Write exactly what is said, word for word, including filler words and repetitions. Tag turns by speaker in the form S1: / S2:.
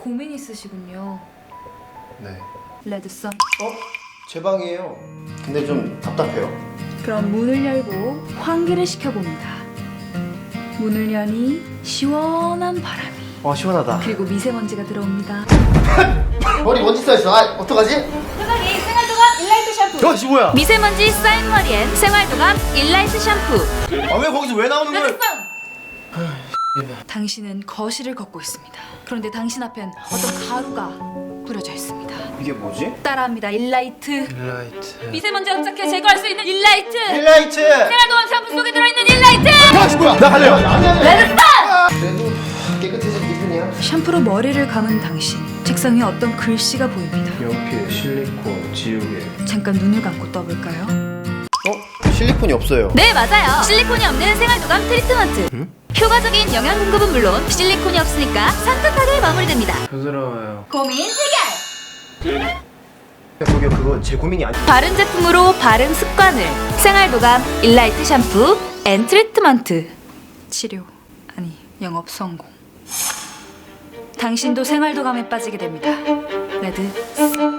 S1: 고민 있으시군요.
S2: 네.
S1: 레드썬.
S2: 어? 제 방이에요. 근데 좀 답답해요.
S1: 그럼 문을 열고 환기를 시켜봅니다. 문을 여니 시원한 바람이,
S2: 와 시원하다.
S1: 그리고 미세먼지가 들어옵니다.
S2: 머리 먼지 쌓였어. 아 어떡하지?
S1: 세상에 생활도감 일라이트 샴푸.
S2: 야 지 뭐야?
S1: 미세먼지 쌓인 머리엔 생활도감 일라이트 샴푸.
S2: 아 왜 거기서 왜 나오는 거야?
S1: 당신은 거실을 걷고 있습니다. 그런데 당신 앞엔 어떤 가루가 뿌려져 있습니다.
S2: 이게 뭐지?
S1: 따라합니다. 일라이트.
S2: 일라이트.
S1: 미세먼지 흡착해 제거할 수 있는 일라이트.
S2: 일라이트.
S1: 생활도감 샴푸 속에 들어있는 일라이트.
S2: 아 뭐야? 나 갈래요.
S1: 레드썬.
S2: 그래도 깨끗해진 기분이야.
S1: 샴푸로 머리를 감은 당신. 책상 위에 어떤 글씨가 보입니다.
S2: 연필, 실리콘, 지우개.
S1: 잠깐 눈을 감고 떠볼까요?
S2: 어? 실리콘이 없어요.
S1: 네, 맞아요. 실리콘이 없는 생활도감 트리트먼트.
S2: 응?
S1: 효과적인 영양 공급은 물론 실리콘이 없으니까 산뜻하게 마무리됩니다.
S2: 부드러워요.
S1: 고민 해결.
S2: 저기요 그거 제 고민이 아니.
S1: 바른 제품으로 바른 습관을. 생활도감 일라이트 샴푸 앤 트리트먼트. 치료, 아니 영업 성공. 당신도 생활도감에 빠지게 됩니다. 레드